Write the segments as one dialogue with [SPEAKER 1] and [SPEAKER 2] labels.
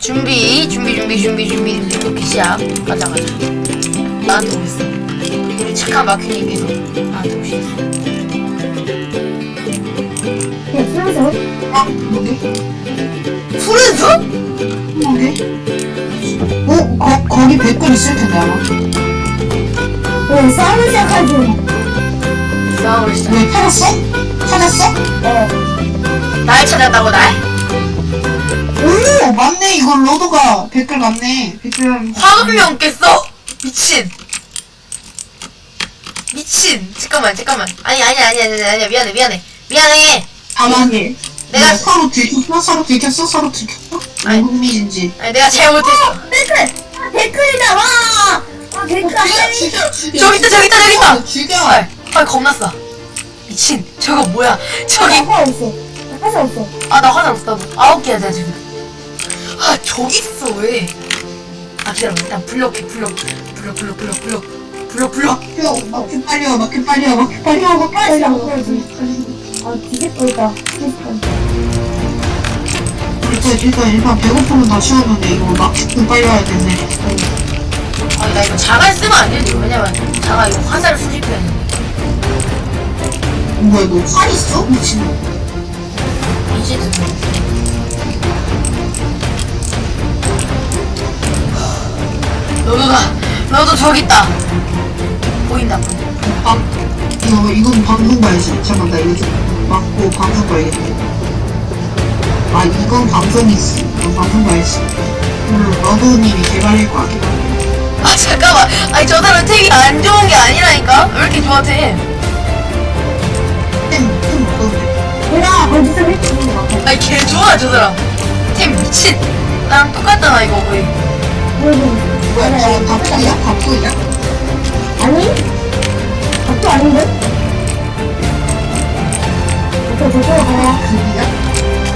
[SPEAKER 1] 준비. 오케이, 시작. 가자. 나한테 오겠어. 우리 착한 마큐님께서 나한테 오시겠어.
[SPEAKER 2] 풀어서?
[SPEAKER 3] 뭐게?
[SPEAKER 1] 푸른 숲?
[SPEAKER 3] 뭐게? 거기 백골 있을 텐데 아마.
[SPEAKER 2] 왜 싸움을 시작하지?
[SPEAKER 1] 싸움을 시작.
[SPEAKER 3] 왜 찾았어? 찾았어?
[SPEAKER 1] 날 찾았다고, 날?
[SPEAKER 3] 오 맞네. 이건 로드가 백골 맞네. 백골.
[SPEAKER 1] 화금령 깼어? 미친. 잠깐만. 아니야. 미안해.
[SPEAKER 3] 가만히.
[SPEAKER 1] 내가-
[SPEAKER 3] 서로 들켰어? 서로 들켰어?
[SPEAKER 1] 아니.
[SPEAKER 3] 흥미진지.
[SPEAKER 1] 아니, 내가 잘못했어.
[SPEAKER 2] 댓글이다, 와! 댓글 안 돼!
[SPEAKER 3] 죽여.
[SPEAKER 1] 저기 있다.
[SPEAKER 3] 죽여.
[SPEAKER 1] 아, 겁났어. 미친. 저거 뭐야? 저기.
[SPEAKER 2] 화살 없어. 화살 없어.
[SPEAKER 1] 아, 나 화장 없어. 나도 9개야, 내가 지금. 아, 저기 있어, 왜? 아, 기다려. 일단 불러.
[SPEAKER 3] 막혀 빨려.
[SPEAKER 2] 빨리 안 보여지. 아, 뒤집고 있다.
[SPEAKER 3] 일단 배고프면 다 치웠는데 이거 막히고 빨리 와야 되네.
[SPEAKER 1] 아니, 나 이거 자갈 쓰면 안 되지. 왜냐면, 자가 이거 화살을 수집해야 돼.
[SPEAKER 3] 뭐야 너 활 있어? 미친.
[SPEAKER 1] 이제 너도 저기 있다. 보인다.
[SPEAKER 3] 이건 방송 봐야지. 잠깐만 나 이거 좀 막고 방송 봐야겠네. 아 이건 방송이지. 이건 방송 봐야지. 러브님이 개발할 거 아니야.
[SPEAKER 1] 아, 잠깐만. 아니, 저 사람 템이 안 좋은 게 아니라니까? 왜 이렇게 좋아, 템?
[SPEAKER 3] 템 어떤데?
[SPEAKER 2] 내가 거기서 했지.
[SPEAKER 1] 아니, 개 좋아, 저 사람. 템 미친. 나랑 똑같잖아, 이거 거의.
[SPEAKER 3] 뭐야 지금 밥풀이야?
[SPEAKER 2] 아니? 밥도 아닌데? 저쪽으로 가라.
[SPEAKER 3] 밥이야?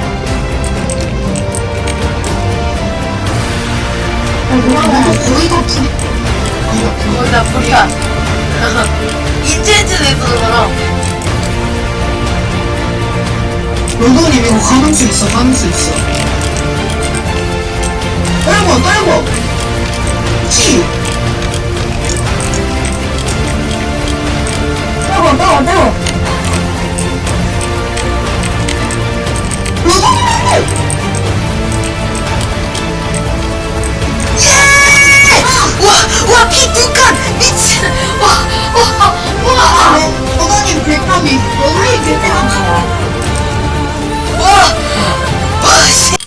[SPEAKER 3] 거의 밥풀이.
[SPEAKER 1] 거의 다 불이야. 인체인지도 있어, 저랑.
[SPEAKER 3] 러브님 이거 가능수 있어. 떨고 치.
[SPEAKER 2] 따고.
[SPEAKER 1] 와, 피 두 칸! 미친! 와!
[SPEAKER 3] 러브님 백합이. 러브님 백합이.
[SPEAKER 1] 씨!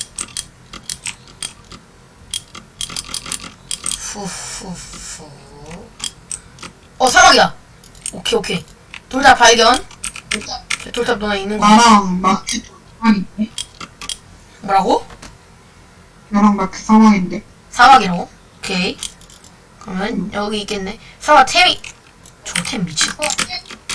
[SPEAKER 1] 후후후. 사막이다! 오케이. 돌탑 발견. 돌탑 너나 있는 거.
[SPEAKER 3] 나랑 마크 사망인데?
[SPEAKER 1] 뭐라고?
[SPEAKER 3] 나랑 마크 사망인데?
[SPEAKER 1] 사막이라고? 오케이. 그러면 여기 있겠네. 사막 템이. 저 템 미친.